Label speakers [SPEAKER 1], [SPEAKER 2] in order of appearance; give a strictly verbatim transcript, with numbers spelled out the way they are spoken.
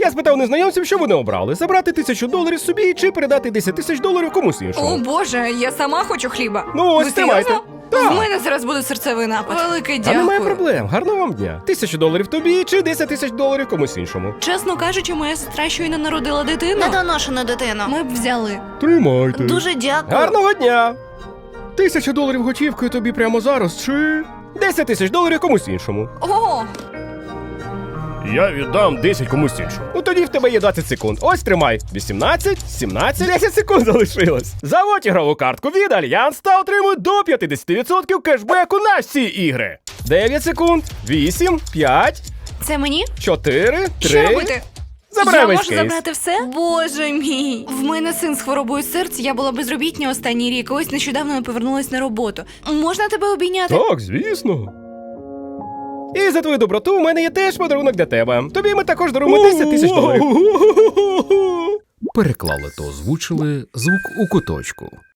[SPEAKER 1] Я спитав незнайомців, що вони обрали: забрати тисячу доларів собі чи передати десять тисяч доларів комусь іншому.
[SPEAKER 2] О боже, я сама хочу хліба.
[SPEAKER 1] Ну ось,
[SPEAKER 2] Ви
[SPEAKER 1] тримайте.
[SPEAKER 2] серйозно?
[SPEAKER 1] Так.
[SPEAKER 2] В мене зараз буде серцевий напад. Велике
[SPEAKER 1] А
[SPEAKER 2] дякую.
[SPEAKER 1] немає проблем, гарного вам дня. Тисячу доларів тобі чи десять тисяч доларів комусь іншому.
[SPEAKER 2] Чесно кажучи, моя сестра щойно народила дитину.
[SPEAKER 3] Недоношену дитину.
[SPEAKER 2] Ми б взяли.
[SPEAKER 1] Тримайте.
[SPEAKER 3] Дуже дякую.
[SPEAKER 1] Гарного дня! Тисячу доларів готівкою тобі прямо зараз, чи десять тисяч доларів комусь іншому.
[SPEAKER 2] О,
[SPEAKER 1] Я віддам десять комусь іншому. Ну тоді в тебе є двадцять секунд. Ось тримай. вісімнадцять, сімнадцять, десять секунд залишилось. Заводь ігрову картку від Альянс та отримуй до п'ятдесят відсотків кешбеку на всі ігри. дев'ять секунд, вісім, п'ять,
[SPEAKER 2] це мені?
[SPEAKER 1] чотири,
[SPEAKER 2] Що
[SPEAKER 1] три.
[SPEAKER 2] робити?
[SPEAKER 1] Забирай
[SPEAKER 2] Я
[SPEAKER 1] весь
[SPEAKER 2] можу
[SPEAKER 1] кейс.
[SPEAKER 2] забрати все? Боже мій. В мене син з хворобою серця, я була безробітня останній рік, ось нещодавно я повернулась на роботу. Можна тебе обійняти?
[SPEAKER 1] Так, звісно. І за твою доброту у мене є теж подарунок для тебе. Тобі ми також даруємо десять тисяч доларів.
[SPEAKER 4] Переклали та озвучили звук у куточку.